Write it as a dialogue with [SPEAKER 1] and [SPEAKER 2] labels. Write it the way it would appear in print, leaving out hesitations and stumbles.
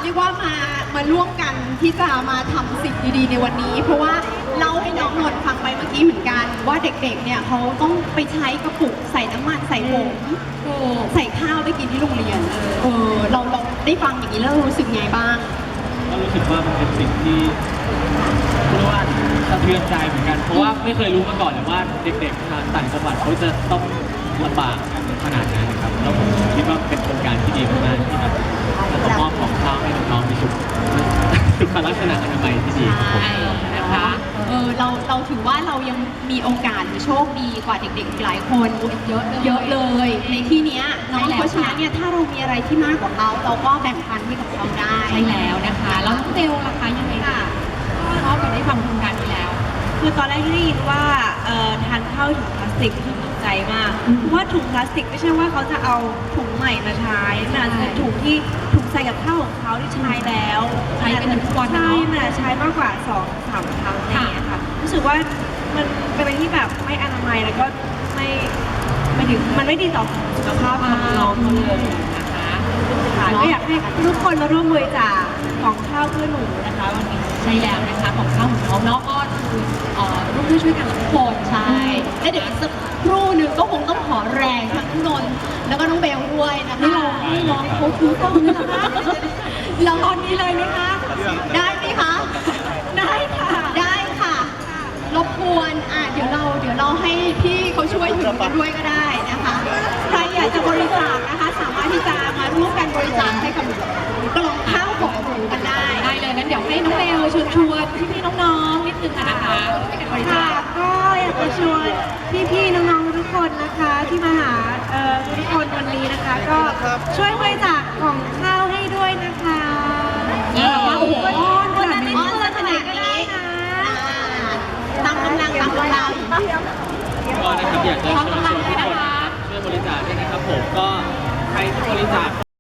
[SPEAKER 1] รียกว่ามาร่วมกันที่จะมาทำสิ่งดีๆในวันนี้ เพราะว่าเล่าให้น้องนนท์ฟังไปเมื่อกี้เหมือนกันว่าเด็กๆเนี่ยเขาต้องไปใช้กระปุกใส่น้ำมันใส่ผงใส่ข้าวไปกินที่โรงเรียนเราได้ฟังอย่างนี้แล้วรู้สึกไงบ้าง
[SPEAKER 2] ก็รู้สึกว่ามันเป็นสิ่งที่เรียกว่าสะเทือนใจเหมือนกันเพราะว่าไม่เคยรู้มาก่อนเลยว่าเด็กๆทางต่างจังหวัดเขาจะต้องลำบากขนาดนั้นนะครับแล้วผมคิดว่าเป็นโครงการที่ดีมากๆที่แบบจะมอบของข้าวให้น้องๆมีสุขลักษณะอนามัยที่ดี
[SPEAKER 1] ใช่นะคะเราถือว่าเรายังมีโอกาสโชคดีกว่าเด็กๆหลายคนเยอะเลยในที่นี้เนาะเพราะฉะนั้นเนี่ยถ้าเรามีอะไรที่มากกว่าเขาเราก็แบ่งปันให้กับเขาได้
[SPEAKER 3] ใช่แล้วนะคะแล้วน้องเบลล่ะคะยังไงคะชอบกันได้ฟังโครงการนี้แล้ว
[SPEAKER 4] คือตอนแรกที่ได้ยินว่าทานข้าวถุงพลาสติกคือตกใจมากเพราะว่าถุงพลาสติกไม่ใช่ว่าเขาจะเอาถุงใหม่มาใช้มันเป็นถุงที่ถุงใส่กับข้าวของเขาที่ใช้แล้ว
[SPEAKER 3] ใช้เป็นทุกวัน
[SPEAKER 4] ใช่มันใช้มากกว่า 2-3 ครั้งอะไรอย่างเงี้ยค่ะรู้สึกว่ามันเป็นอะไรที่แบบไม่อนามัยแล้วก็ไม่ถึงมันไม่ดีต่อสุขภาพของน้องเขาเลยนะคะก็อยากให้ทุกคนมาร่วมบริจาคของข้าวเพื่อหนูนะคะวันนี้
[SPEAKER 3] ใช่แล้วนะคะของข้าวของน้องเนาะก็คือร่วมด้วยช่วยกันทุกคน
[SPEAKER 1] ใช่และเดี๋ยวอีกสักครู่หนึ่งก็คงต้องขอแรงทั้งนนท์แล้วก็น้องเบลด้วยนะคะ
[SPEAKER 3] นี่น้องเขาคือต้องนี่นะคะ
[SPEAKER 1] เราตอนนี้เลยไหมคะได้ไหมคะ
[SPEAKER 4] ได้ค่ะ
[SPEAKER 1] ได้ค่ะรบกวนเดี๋ยวเราให้พี่เขาช่วยถือกันด้วยก็ได้นะคะใครอยากจะบริจาคนะคะสามารถที่จะมาร่วมกันบริจาคให้กับกล่องข้าวของหมูกันได้
[SPEAKER 3] เลยงั้นเดี๋ยวให้น้องเบลชวนพี่ๆน้องๆนิดนึงนะคะ
[SPEAKER 4] ค่ะก็อยากจะชวนพี่ๆน้องๆทุกคนนะคะที่มาหาทุกคนวันนี้นะคะก็ช่วยบริจาคของข้าวให้ด้วยนะคะ
[SPEAKER 1] โอ้โหคนนั้นไม่เกินขนาดนี้ตามกำลัง
[SPEAKER 2] ก็นะครับอยากจะเชิญชวนทุกคนช่วยบริจาคด้วยนะครับผมก็ใครที่บริจาค